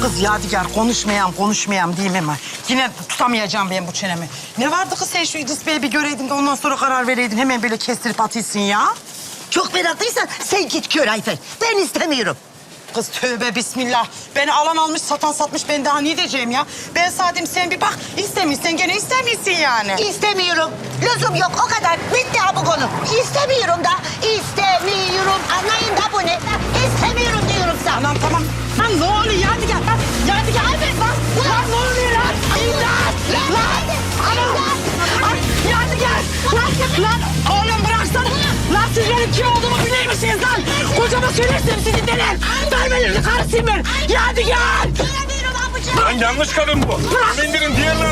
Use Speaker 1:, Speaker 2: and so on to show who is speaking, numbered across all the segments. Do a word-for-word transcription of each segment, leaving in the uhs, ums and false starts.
Speaker 1: Kız Yadigar konuşmayayım konuşmayayım diyeyim hemen. Yine tutamayacağım ben bu çenemi. Ne vardı kız sen şu İdris Bey'i bir göreydin de ondan sonra karar vereydin. Hemen böyle kestirip atıyorsun ya.
Speaker 2: Çok meraklıysan sen git kör Ayfer. Ben istemiyorum.
Speaker 1: Kız tövbe bismillah. Beni alan almış satan satmış ben daha ne diyeceğim ya. Ben sadece sen bir bak istemiyorsan gene istemiyorsun yani.
Speaker 2: İstemiyorum. Lüzum yok o kadar. Bitti ha bu konu. İstemiyorum da. İstemiyorum. Anlayın da bu ne? İstemiyorum diyorum sana.
Speaker 1: Anam tamam. Lan ne oluyor Yadigar lan? Yadigar evet lan. Lan ne oluyor lan? İmdat. Lan. Anam. Ay, Yadigar. Lan. Lan oğlum bıraksana. Lan siz benim kim olduğumu bilir misiniz lan? Kocama söylersem sizi dener. Vermelerini karısıyım ben. Yadigar.
Speaker 3: Lan yanlış kadın bu. İndirin diğerlerini.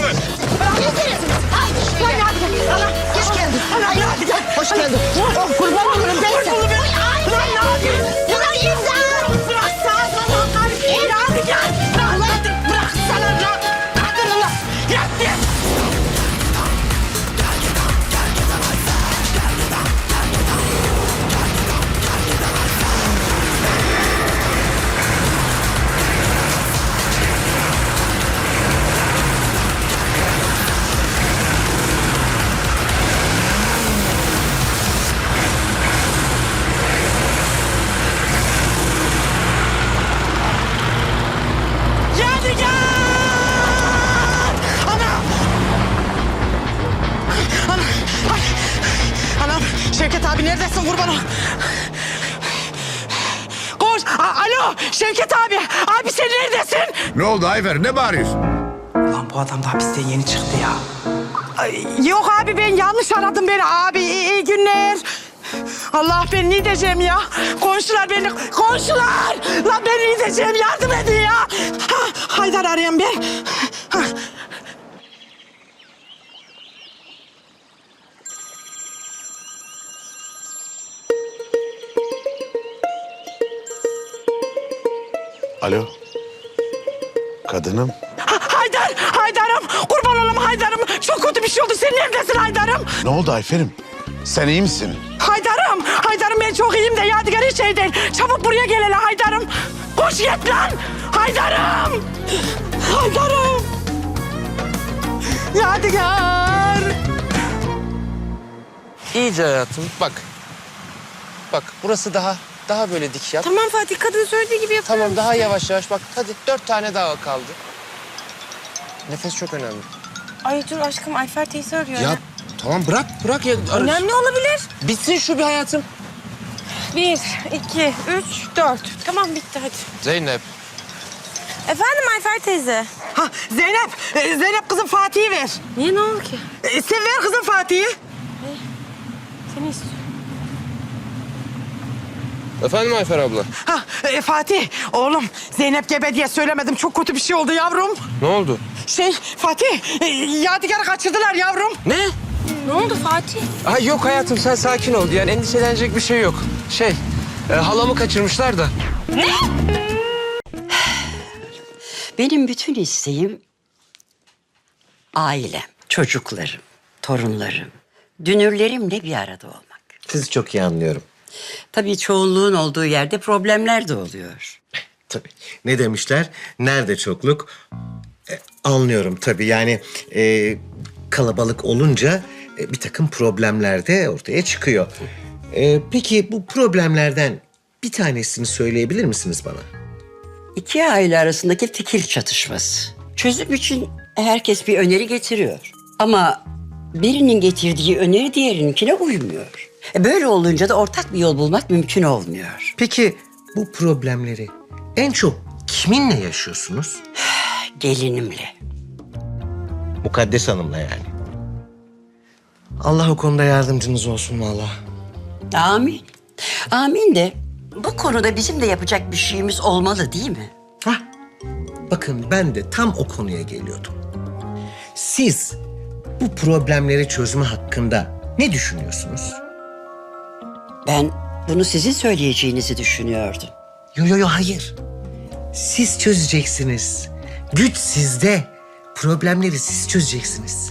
Speaker 2: Ay, Yadigar. Allah, hoş geldin. Allah, Yadigar. Hoş geldin. Oh, kurban olurum ben sana.
Speaker 1: Lan ne yapıyorsun?
Speaker 2: Ulan imdat.
Speaker 1: Bıraksana lan karısıyım. Yadigar. Lan bıraksana lan. Kadın lan. Yadigar. Şevket abi neredesin kurban ol? Koş. A Alo Şevket abi. Abi sen neredesin?
Speaker 4: Ne oldu Ayfer? Ne bağırıyorsun?
Speaker 1: Ulan bu adam da hapisten yeni çıktı ya. Ay, yok abi ben yanlış aradım beni abi. İyi, iyi günler. Allah ben ne diyeceğim ya? Komşular beni... Komşular! Lan ben ne diyeceğim? Yardım edin ya. Ha, Haydar arayan ben. Ha.
Speaker 4: Alo. Kadınım.
Speaker 1: Ha, Haydar! Haydar'ım! Kurban olayım Haydar'ım! Çok kötü bir şey oldu. Sen neredesin Haydar'ım?
Speaker 4: Ne oldu Ayfer'im? Sen iyi misin?
Speaker 1: Haydar'ım! Haydar'ım ben çok iyiyim de Yadigar hiç şey değil. Çabuk buraya gel hele Haydar'ım. Koş git lan! Haydar'ım! Haydar'ım! Yadigar!
Speaker 5: İyice hayatım bak. Bak burası daha daha böyle dik yap.
Speaker 6: Tamam Fatih, kadın söylediği gibi yapıyorum.
Speaker 5: Tamam daha yavaş yavaş bak. Hadi dört tane daha kaldı. Nefes çok önemli.
Speaker 6: Ay dur aşkım, Ayfer teyze arıyor.
Speaker 5: Ya tamam bırak bırak ya. ararız.
Speaker 6: Önemli olabilir.
Speaker 5: Bitsin şu bir hayatım.
Speaker 6: Bir, iki, üç, dört. Tamam bitti hadi.
Speaker 5: Zeynep.
Speaker 6: Efendim Ayfer teyze.
Speaker 1: Ha Zeynep! e, Zeynep kızım Fatih'i ver.
Speaker 6: Niye, ne oldu ki?
Speaker 1: E, sen ver kızım Fatih'i.
Speaker 6: Seni istiyorum.
Speaker 5: Efendim Ayfer abla.
Speaker 1: Ha e, Fatih oğlum Zeynep gebe diye söylemedim. Çok kötü bir şey oldu yavrum.
Speaker 5: Ne oldu?
Speaker 1: Şey Fatih e, Yadigar'ı kaçırdılar yavrum.
Speaker 5: Ne?
Speaker 6: Ne oldu Fatih?
Speaker 5: Ay yok hayatım sen sakin ol. Yani endişelenecek bir şey yok. Şey e, halamı kaçırmışlar da.
Speaker 7: Benim bütün isteğim ailem, çocuklarım, torunlarım, dünürlerimle bir arada olmak.
Speaker 8: Sizi çok iyi anlıyorum.
Speaker 7: Tabii çoğunluğun olduğu yerde problemler de oluyor.
Speaker 8: Tabii. Ne demişler? Nerede çokluk? E, anlıyorum tabii. Yani e, kalabalık olunca e, bir takım problemler de ortaya çıkıyor. E, peki bu problemlerden bir tanesini söyleyebilir misiniz bana?
Speaker 7: İki aile arasındaki fikir çatışması. Çözüm için herkes bir öneri getiriyor. Ama birinin getirdiği öneri diğerininkine uymuyor. E böyle olunca da ortak bir yol bulmak mümkün olmuyor.
Speaker 8: Peki bu problemleri en çok kiminle yaşıyorsunuz?
Speaker 7: Gelinimle.
Speaker 8: Mukaddes Hanım'la yani. Allah o konuda yardımcınız olsun vallahi.
Speaker 7: Amin. Amin de bu konuda bizim de yapacak bir şeyimiz olmalı değil mi?
Speaker 8: Hah. Bakın ben de tam o konuya geliyordum. Siz bu problemleri çözme hakkında ne düşünüyorsunuz?
Speaker 7: Ben bunu sizin söyleyeceğinizi düşünüyordum.
Speaker 8: Yo yo yo hayır. Siz çözeceksiniz. Güç sizde. Problemleri siz çözeceksiniz.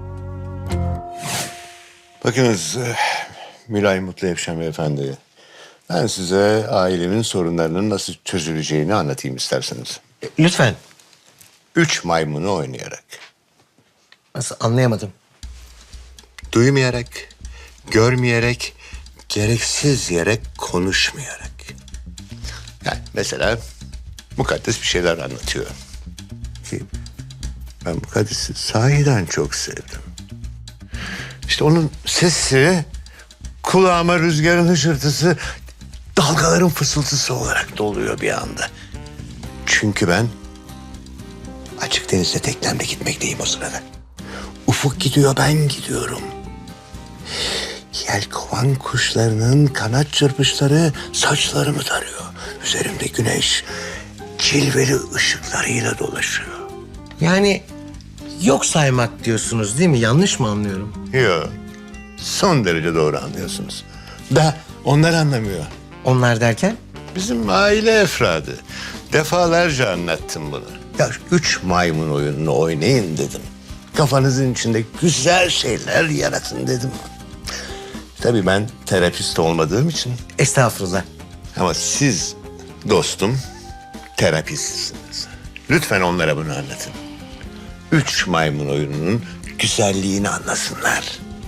Speaker 4: Bakınız eh, Mülayim Mutlu Evşen Beyefendi. Ben size ailemin sorunlarının nasıl çözüleceğini anlatayım isterseniz.
Speaker 8: E, lütfen.
Speaker 4: Üç maymunu oynayarak.
Speaker 8: Nasıl anlayamadım.
Speaker 4: Duymayarak, görmeyerek, gereksiz yere konuşmayarak. Yani mesela Mukaddes bir şeyler anlatıyor. Ki ben Mukaddes'i sahiden çok sevdim. İşte onun sesi kulağıma rüzgarın hışırtısı, dalgaların fısıltısı olarak doluyor bir anda. Çünkü ben açık denizde teknemle gitmekteyim o sırada. Ufuk gidiyor, ben gidiyorum. Yelkovan kuşlarının kanat çırpışları saçlarımı tarıyor. Üzerimde güneş cilveli ışıklarıyla dolaşıyor.
Speaker 8: Yani yok saymak diyorsunuz değil mi? Yanlış mı anlıyorum?
Speaker 4: Yok, son derece doğru anlıyorsunuz. Da onlar anlamıyor.
Speaker 8: Onlar derken?
Speaker 4: Bizim aile efradı. Defalarca anlattım bunu. Ya üç maymun oyununu oynayın dedim. Kafanızın içinde güzel şeyler yaratın dedim. Tabii ben terapist olmadığım için.
Speaker 8: Estağfurullah.
Speaker 4: Ama siz dostum terapistsiniz. Lütfen onlara bunu anlatın. Üç maymun oyununun güzelliğini anlasınlar.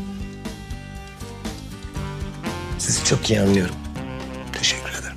Speaker 8: Sizi çok iyi anlıyorum.
Speaker 4: Teşekkür ederim.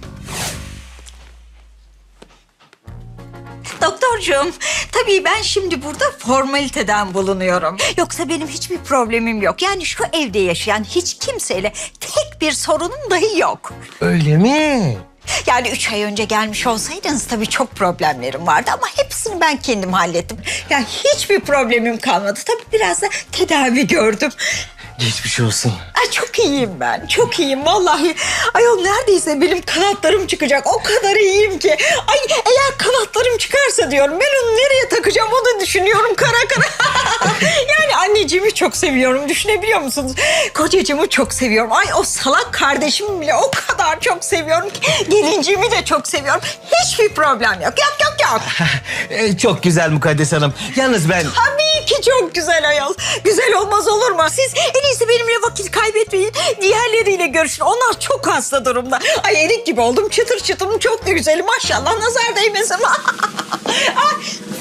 Speaker 2: Doktorcuğum, tabii ben şimdi burada formaliteden bulunuyorum. Yoksa benim hiçbir problemim yok. Yani şu evde yaşayan hiç kimseyle tek bir sorunum dahi yok.
Speaker 8: Öyle mi?
Speaker 2: Yani üç ay önce gelmiş olsaydınız tabii çok problemlerim vardı ama hepsini ben kendim hallettim. Yani hiçbir problemim kalmadı. Tabii biraz da tedavi gördüm.
Speaker 8: Geçmiş olsun.
Speaker 2: Ay çok iyiyim ben, çok iyiyim vallahi. Ayol neredeyse benim kanatlarım çıkacak. O kadar iyiyim ki. Ay eğer kanatlarım çıkarsa diyorum ben onu nereye takacağım onu düşünüyorum kara kara. Yani anneciğimi çok seviyorum, düşünebiliyor musunuz? Kocacığımı çok seviyorum. Ay o salak kardeşimi bile o kadar çok seviyorum ki. Gelinciğimi de çok seviyorum. Hiçbir problem yok, yok yok yok.
Speaker 8: Ee, çok güzel Mukaddes Hanım. Yalnız ben...
Speaker 2: Tabii ki çok güzel ayol. Güzel olmaz olur mu? Siz en iyisi benimle vakit kaybetmeyin. Diğerleriyle görüşün. Onlar çok hasta durumda. Ay erik gibi oldum. Çıtır çıtırım çok da güzelim. Maşallah nazar değmesin. Ay.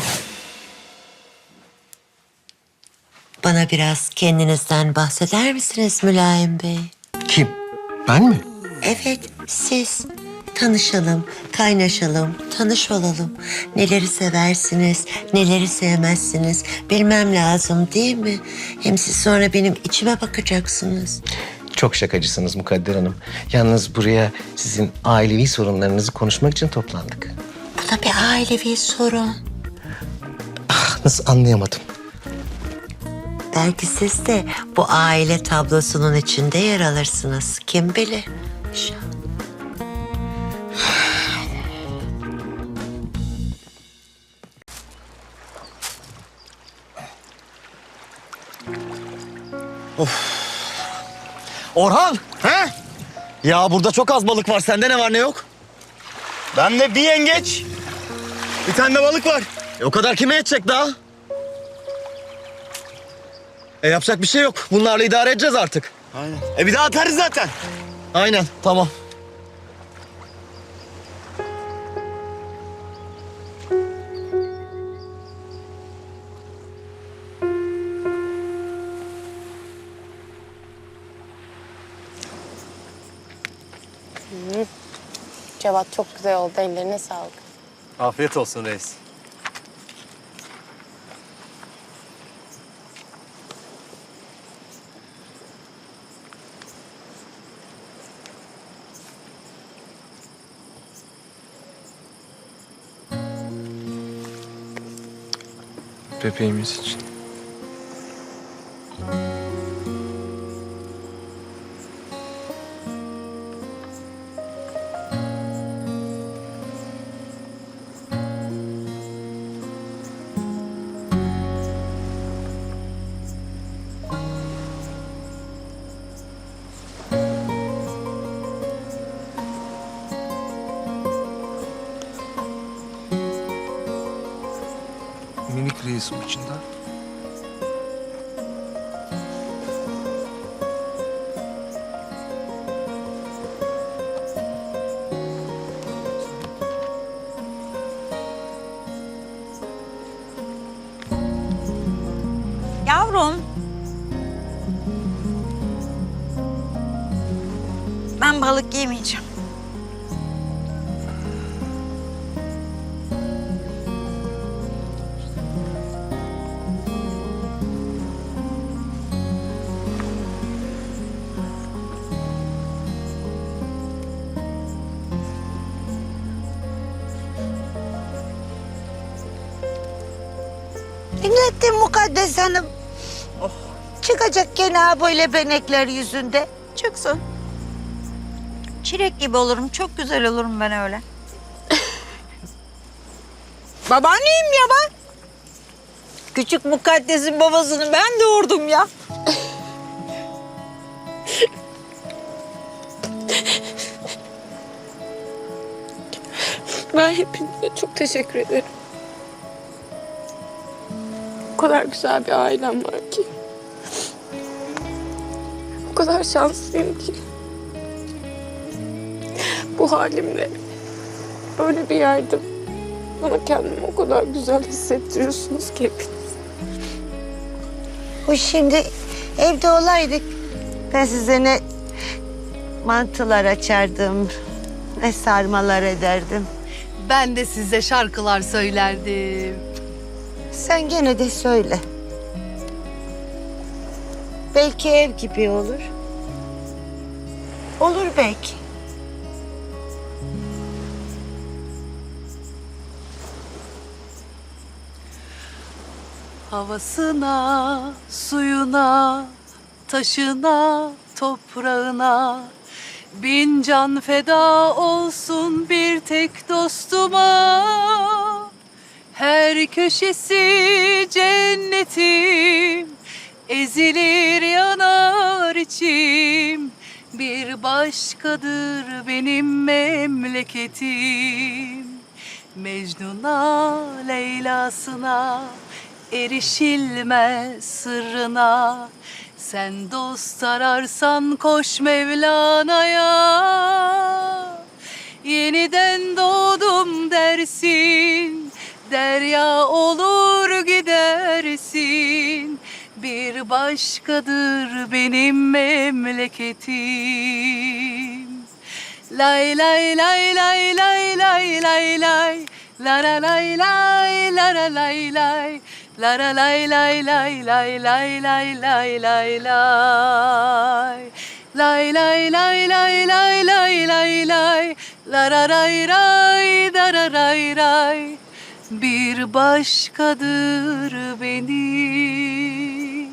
Speaker 9: Bana biraz kendinizden bahseder misiniz Mülayim Bey?
Speaker 8: Kim? Ben mi?
Speaker 9: Evet, siz. Tanışalım, kaynaşalım, tanış olalım. Neleri seversiniz, neleri sevmezsiniz bilmem lazım değil mi? Hem siz sonra benim içime bakacaksınız.
Speaker 8: Çok şakacısınız Mukadder Hanım. Yalnız buraya sizin ailevi sorunlarınızı konuşmak için toplandık.
Speaker 9: Bu da bir ailevi sorun.
Speaker 8: Nasıl anlayamadım?
Speaker 9: Belki siz de bu aile tablosunun içinde yer alırsınız. Kim bilir? İnşallah.
Speaker 10: Orhan! He? Ya burada çok az balık var. Sende ne var ne yok? Bende bir yengeç. Bir tane de balık var. E o kadar kime yetecek daha? E yapacak bir şey yok. Bunlarla idare edeceğiz artık. Aynen. E bir daha atarız zaten. Aynen. Tamam.
Speaker 6: Cevat çok güzel oldu. Ellerine sağlık.
Speaker 10: Afiyet olsun reis.
Speaker 5: Bebeğimiz için. Minik reisim içinde.
Speaker 2: balık yemeyeceğim.
Speaker 9: Dinlettin Mukaddes Hanım. Çıkacak gene ha böyle benekler yüzünde.
Speaker 2: Çıksın. Çilek gibi olurum. Çok güzel olurum ben öyle. Babaanneyim ya ben. Küçük Mukaddes'in babasını ben doğurdum ya.
Speaker 6: Ben hepinize çok teşekkür ederim. O kadar güzel bir ailem var ki. O kadar şanslıyım ki. Bu halimle böyle bir yerde bana kendimi o kadar güzel hissettiriyorsunuz ki hepiniz.
Speaker 9: Bu şimdi evde olaydık. Ben size ne mantılar açardım, ne sarmalar ederdim.
Speaker 1: Ben de size şarkılar söylerdim.
Speaker 9: Sen gene de söyle. Belki ev gibi olur. Olur belki.
Speaker 1: Havasına, suyuna, taşına, toprağına bin can feda olsun bir tek dostuma. Her köşesi cennetim, ezilir yanar içim. Bir başkadır benim memleketim. Mecnun'a, Leyla'sına, erişilmez sırrına. Sen dost ararsan koş Mevlana'ya. Yeniden doğdum dersin, derya olur gidersin. Bir başkadır benim memleketim. Lay lay lay lay lay lay lay lay. La la lay lay la la lay lay. La la lay lay lay lay lay lay lay lay lay. Lay lay lay lay lay lay lay lay. La ra ray ray da ra ray ray. Bir başkadır benim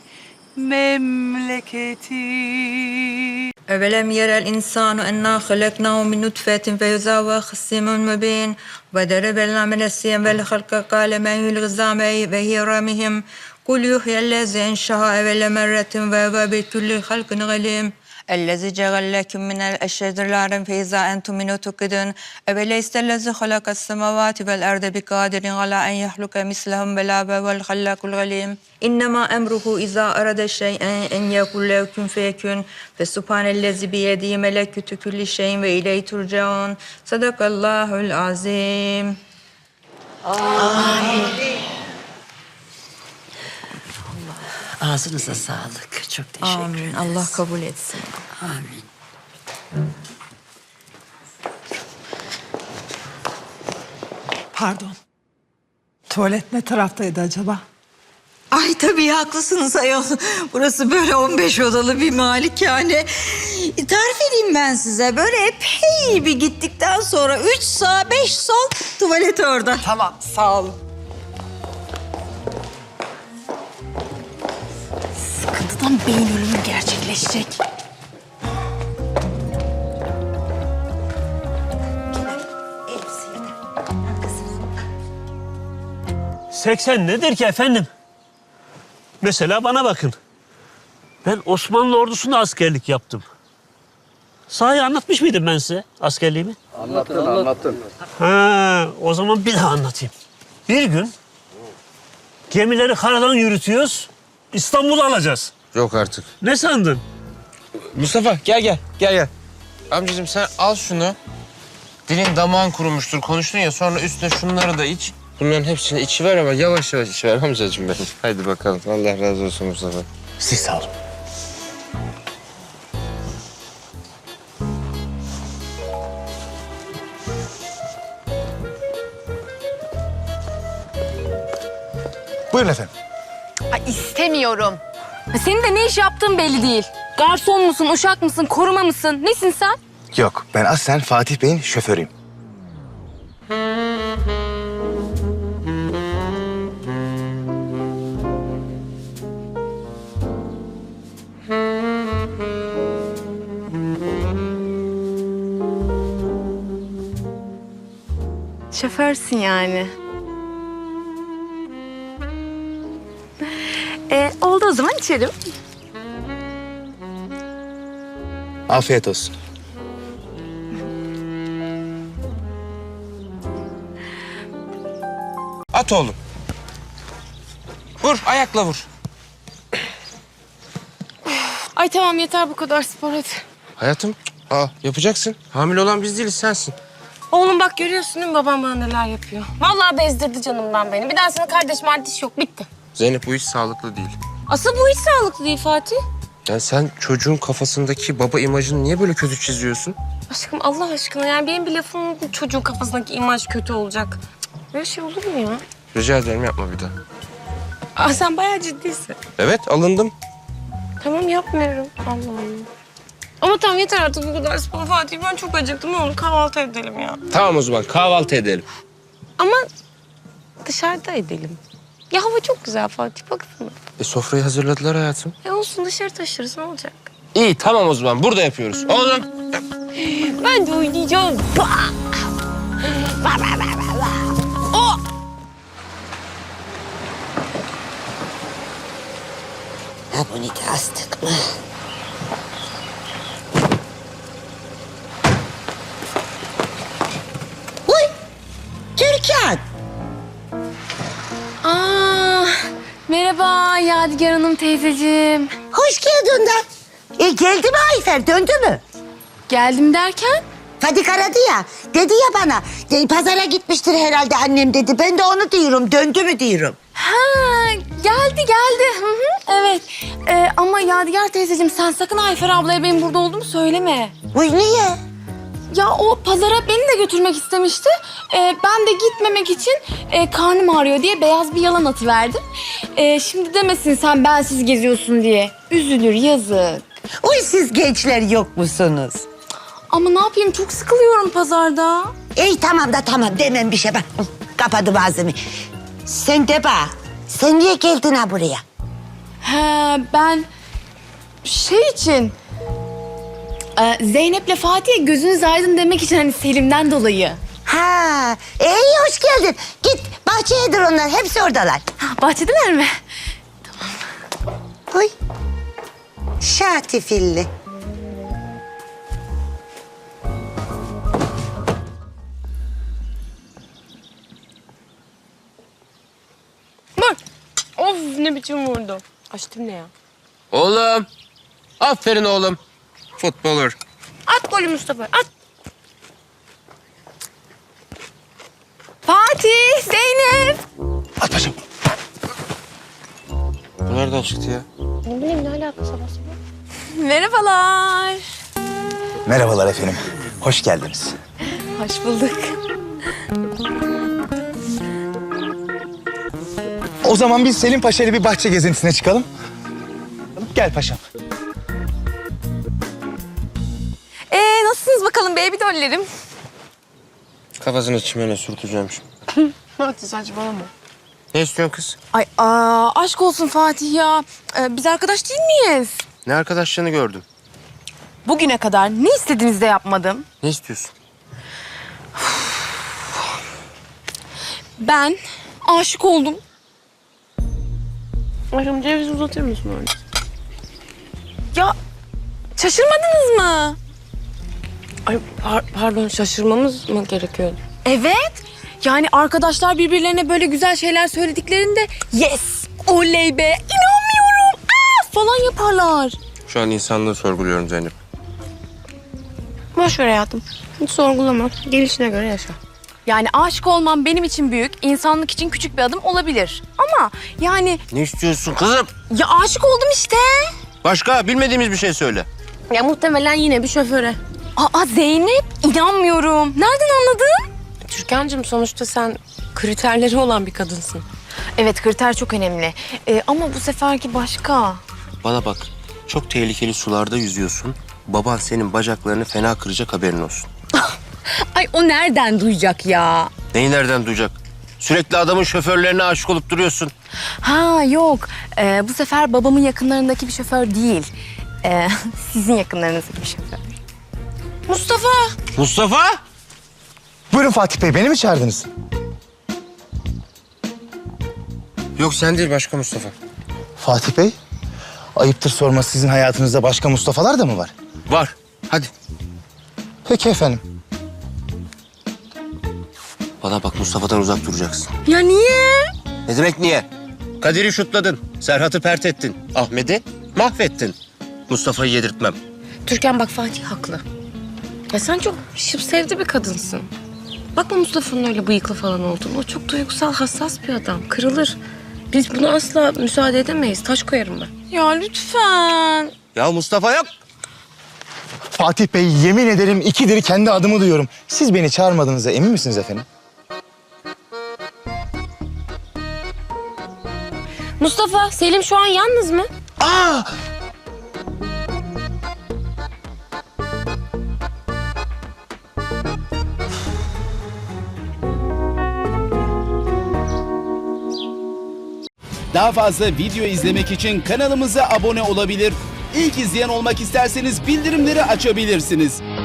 Speaker 1: memleketim.
Speaker 2: أولم يرى الإنسان أنا خلقناه من نطفة فإذا هو خصيم مبين وضرب لنا من السيم والخلق قال ما هي العظام وهي رميم قل يحيي الذي أنشأها أول مرة وهو بكل خلق عليم الذي جعل لكم من الأشجار نارا فإذا أنتم منه توقدون أوليس الذي خلق السماوات والأرض بقادر على أن يخلق مثلهم بلى وهو الخلاق العليم إنما أمره إذا أراد شيئا أن يقول له كن فيكون فسبحان الذي بيده ملكوت كل شيء وإليه ترجعون صدق الله العظيم.
Speaker 7: Ağzınıza sağlık. Çok teşekkür
Speaker 2: Amin.
Speaker 7: ederiz.
Speaker 2: Allah kabul etsin.
Speaker 7: Amin.
Speaker 1: Pardon. Tuvalet ne taraftaydı acaba?
Speaker 2: Ay tabii haklısınız ayol. Burası böyle on beş odalı bir malikane. Tarif edeyim ben size. Böyle epey bir gittikten sonra üç sağ beş sol tuvalet orada.
Speaker 1: Tamam, sağ olun. Sıkıntıdan beyin ölümü gerçekleşecek.
Speaker 11: seksen nedir ki efendim? Mesela bana bakın. Ben Osmanlı ordusunda askerlik yaptım. Sahi anlatmış mıydım ben size askerliğimi?
Speaker 10: Anlattın, anlattın.
Speaker 11: Ha, o zaman bir daha anlatayım. Bir gün gemileri karadan yürütüyoruz. İstanbul'u alacağız.
Speaker 5: Yok artık.
Speaker 11: Ne sandın?
Speaker 5: Mustafa gel gel gel gel. Amcacığım sen al şunu. Dilin damağın kurumuştur. Konuştun ya sonra üstüne şunları da iç. Bunların hepsini içiver ama yavaş yavaş içiver amcacığım benim. Haydi bakalım. Allah razı olsun Mustafa.
Speaker 11: Siz sağ olun.
Speaker 10: Buyurun efendim.
Speaker 6: Ay istemiyorum. Senin de ne iş yaptığın belli değil. Garson musun, uşak mısın, koruma mısın? Nesin sen?
Speaker 10: Yok, ben aslen Fatih Bey'in şoförüyüm.
Speaker 6: Şoförsün yani. Ee, oldu o zaman içelim.
Speaker 10: Afiyet olsun.
Speaker 5: At oğlum. Vur, ayakla vur.
Speaker 6: Ay tamam yeter bu kadar spor hadi.
Speaker 5: Hayatım, aa, yapacaksın. Hamile olan biz değiliz, sensin.
Speaker 6: Oğlum bak görüyorsun değil mi babam bana neler yapıyor. Vallahi bezdirdi canımdan beni. Bir daha sana kardeş mardiş yok bitti.
Speaker 5: Zeynep, bu hiç sağlıklı değil.
Speaker 6: Asıl bu hiç sağlıklı değil Fatih.
Speaker 5: Yani sen çocuğun kafasındaki baba imajını niye böyle kötü çiziyorsun?
Speaker 6: Aşkım Allah aşkına yani benim bir lafım yok mu çocuğun kafasındaki imaj kötü olacak. Cık, böyle şey olur mu ya?
Speaker 5: Rica ederim, yapma bir daha.
Speaker 6: Aa, sen bayağı ciddisin.
Speaker 5: Evet, alındım.
Speaker 6: Tamam yapmıyorum. Allah Allah. Ama tamam yeter artık bu kadar spor Fatih. Ben çok acıktım. Ne olur kahvaltı edelim ya.
Speaker 5: Tamam o zaman, kahvaltı edelim.
Speaker 6: Ama dışarıda edelim. Ya hava çok güzel Fatih baksana.
Speaker 5: E, sofrayı hazırladılar hayatım.
Speaker 6: E olsun dışarı taşırız ne olacak?
Speaker 5: İyi, tamam o zaman, burada yapıyoruz. Oğlum.
Speaker 6: Ben de oynayacağım. O!
Speaker 9: Ha bunu da astık mı? Uy! Türkan!
Speaker 6: Aa, merhaba Yadigar Hanım teyzeciğim.
Speaker 9: Hoş geldin de. E geldi mi Ayfer? Döndü mü?
Speaker 6: Geldim derken?
Speaker 9: Fadik aradı ya. Dedi ya bana. e, pazara gitmiştir herhalde annem dedi. Ben de onu diyorum. Döndü mü diyorum.
Speaker 6: Ha, geldi geldi. Hı hı, evet. Ee, ama Yadigar teyzeciğim sen sakın Ayfer ablaya benim burada olduğumu söyleme.
Speaker 9: Uy niye?
Speaker 6: Ya o pazara beni de götürmek istemişti. Ee, ben de gitmemek için e, karnım ağrıyor diye beyaz bir yalan atıverdim. Ee, şimdi demesin sen bensiz geziyorsun diye. Üzülür yazık.
Speaker 9: Uy siz gençler yok musunuz?
Speaker 6: Ama ne yapayım çok sıkılıyorum pazarda.
Speaker 9: İyi tamam da tamam demem bir şey bak. Kapadım ağzımı. Sen de bak. Sen niye geldin ha buraya?
Speaker 6: He ben şey için e, Zeynep'le Fatih'e gözünüz aydın demek için hani Selim'den dolayı.
Speaker 9: Ha, iyi hoş geldin. Git bahçeyedir onlar. Hepsi oradalar.
Speaker 6: Ha, bahçedeler mi?
Speaker 9: Uy. Şatifilli.
Speaker 6: Bak. Of ne biçim vurdu. Açtım ne ya?
Speaker 5: Oğlum. Aferin oğlum. Futbolur.
Speaker 6: At golü Mustafa at. Fatih, Zeynep.
Speaker 10: At paşam.
Speaker 5: Bu nereden çıktı ya?
Speaker 6: Ne bileyim ne alaka sabah sabah. Merhabalar.
Speaker 10: Merhabalar efendim. Hoş geldiniz.
Speaker 6: Hoş bulduk.
Speaker 10: O zaman biz Selim Paşa ile bir bahçe gezintisine çıkalım. Gel paşam.
Speaker 6: Ee nasılsınız bakalım baby dollerim?
Speaker 5: Kafasını çimene sürteceğim şimdi.
Speaker 6: Hadi saçmalama.
Speaker 5: Ne istiyorsun kız?
Speaker 6: Ay aa, aşk olsun Fatih ya. Ee, biz arkadaş değil miyiz?
Speaker 5: Ne arkadaşlığını gördüm.
Speaker 6: Bugüne kadar ne istediğinizde yapmadım.
Speaker 5: Ne istiyorsun?
Speaker 6: Ben aşık oldum. Aşkım ceviz uzatır mısın öyle? Ya şaşırmadınız mı? Ay par- pardon şaşırmamız mı gerekiyordu? Evet. Yani arkadaşlar birbirlerine böyle güzel şeyler söylediklerinde yes, oley be, inanmıyorum aa, falan yaparlar.
Speaker 5: Şu an insanlığı sorguluyorum Zeynep.
Speaker 6: Boş ver hayatım. Hiç sorgulama. Gelişine göre yaşa. Yani aşık olmam benim için büyük, insanlık için küçük bir adım olabilir. Ama yani
Speaker 5: Ne istiyorsun kızım?
Speaker 6: ya aşık oldum işte.
Speaker 5: Başka bilmediğimiz bir şey söyle.
Speaker 6: Ya muhtemelen yine bir şoföre. Aa Zeynep inanmıyorum. Nereden anladın? Türkan'cığım sonuçta sen kriterleri olan bir kadınsın. Evet, kriter çok önemli. Ee, ama bu seferki başka.
Speaker 5: Bana bak, çok tehlikeli sularda yüzüyorsun. Baban senin bacaklarını fena kıracak, haberin olsun.
Speaker 6: Ay o nereden duyacak ya?
Speaker 5: Neyi nereden duyacak? Sürekli adamın şoförlerine aşık olup duruyorsun.
Speaker 6: Ha yok, Ee, bu sefer babamın yakınlarındaki bir şoför değil. Ee, sizin yakınlarınızdaki bir şoför. Mustafa!
Speaker 5: Mustafa!
Speaker 10: Buyurun Fatih Bey, beni mi çağırdınız?
Speaker 5: Yok sen değil, başka Mustafa.
Speaker 10: Fatih Bey, ayıptır sorması, sizin hayatınızda başka Mustafa'lar da mı var?
Speaker 5: Var, hadi.
Speaker 10: Peki efendim.
Speaker 5: Bana bak, Mustafa'dan uzak duracaksın.
Speaker 6: Ya niye?
Speaker 5: Ne demek niye? Kadir'i şutladın, Serhat'ı pert ettin, Ahmet'i mahvettin. Mustafa'yı yedirtmem.
Speaker 6: Türkan bak, Fatih haklı. Ya sen çok şıp sevdi bir kadınsın. Bakma Mustafa'nın öyle bıyıklı falan olduğunu. O çok duygusal, hassas bir adam. Kırılır. Biz buna asla müsaade edemeyiz. Taş koyarım ben. Ya lütfen.
Speaker 5: Ya Mustafa yok.
Speaker 10: Fatih Bey, yemin ederim ikidir kendi adımı duyuyorum. Siz beni çağırmadığınıza emin misiniz efendim?
Speaker 6: Mustafa, Selim şu an yalnız mı?
Speaker 10: Aa!
Speaker 12: Daha fazla video izlemek için kanalımıza abone olabilir. İlk izleyen olmak isterseniz bildirimleri açabilirsiniz.